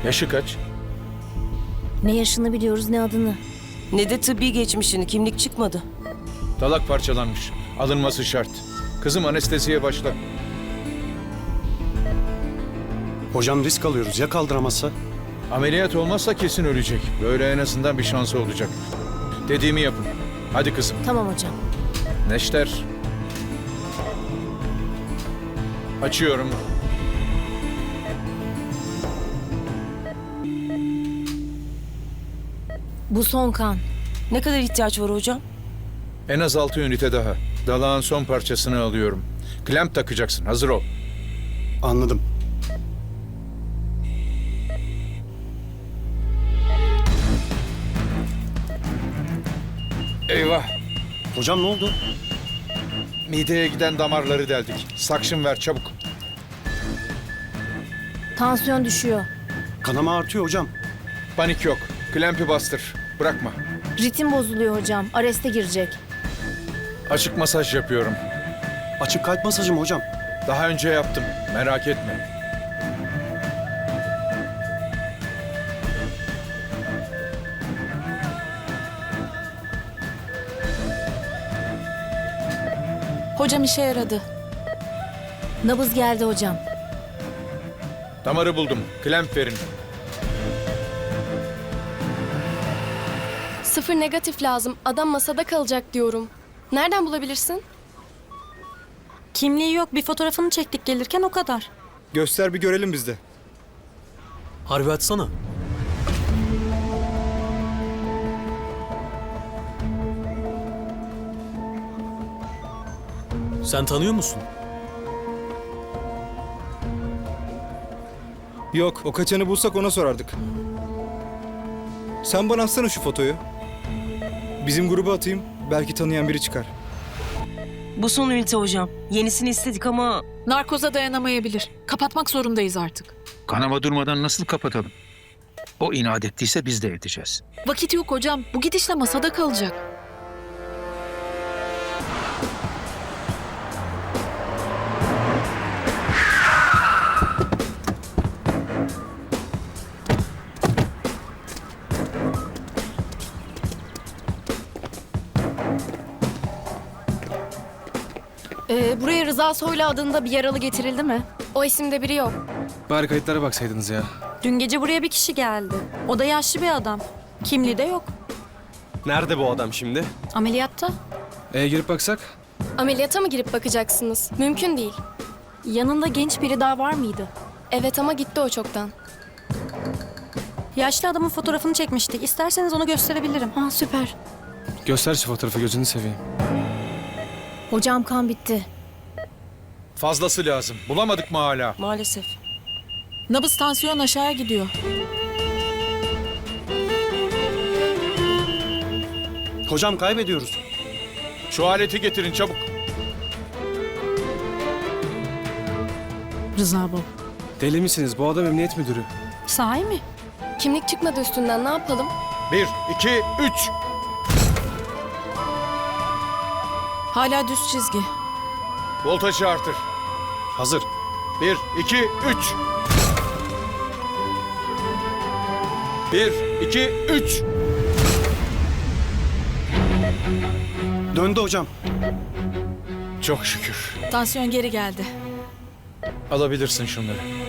Yaşı kaç? Ne yaşını biliyoruz ne adını. Ne de tıbbi geçmişini, kimlik çıkmadı. Dalak parçalanmış. Alınması şart. Kızım anesteziye başla. Hocam risk alıyoruz. Ya kaldıramazsa? Ameliyat olmazsa kesin ölecek. Böyle en azından bir şansı olacak. Dediğimi yapın. Hadi kızım. Tamam hocam. Neşter. Açıyorum. Bu son kan. Ne kadar ihtiyaç var hocam? En az 6 ünite daha. Dalağın son parçasını alıyorum. Klemp takacaksın. Hazır ol. Anladım. Eyvah. Hocam ne oldu? Mideye giden damarları deldik. Sakşın ver çabuk. Tansiyon düşüyor. Kanama artıyor hocam. Panik yok. Klempi bastır. Bırakma. Ritim bozuluyor hocam. Areste girecek. Açık masaj yapıyorum. Açık kalp masajı mı hocam? Daha önce yaptım. Merak etme. Hocam işe yaradı. Nabız geldi hocam. Damarı buldum. Klemp verin. 0 negatif lazım. Adam masada kalacak diyorum. Nereden bulabilirsin? Kimliği yok, bir fotoğrafını çektik gelirken o kadar. Göster bir görelim biz de. Harbi açsana. Sen tanıyor musun? Yok, o kaçanı bulsak ona sorardık. Sen bana atsana şu fotoyu. Bizim gruba atayım, belki tanıyan biri çıkar. Bu son ünite hocam. Yenisini istedik ama Narkoza dayanamayabilir. Kapatmak zorundayız artık. Kanama durmadan nasıl kapatalım? O inat ettiyse biz de edeceğiz. Vakit yok hocam. Bu gidişle masada kalacak. Buraya Rıza Soylu adında bir yaralı getirildi mi? O isimde biri yok. Bari kayıtlara baksaydınız ya. Dün gece buraya bir kişi geldi. O da yaşlı bir adam. Kimliği de yok. Nerede bu adam şimdi? Ameliyatta. Girip baksak? Ameliyata mı girip bakacaksınız? Mümkün değil. Yanında genç biri daha var mıydı? Evet ama gitti o çoktan. Yaşlı adamın fotoğrafını çekmiştik. İsterseniz onu gösterebilirim. Ha süper. Göster şu fotoğrafı, gözünü seveyim. Hocam kan bitti. Fazlası lazım. Bulamadık mı hala? maalesef. Nabız, tansiyon aşağıya gidiyor. Hocam kaybediyoruz. Şu aleti getirin çabuk. Rıza bu. Deli misiniz? Bu adam emniyet müdürü. Sahi mi? Kimlik çıkmadı üstünden, ne yapalım? 1, 2, 3. Hala düz çizgi. Voltajı artır. Hazır. 1, 2, 3. 1, 2, 3. Döndü hocam. Çok şükür. Tansiyon geri geldi. Alabilirsin şunları.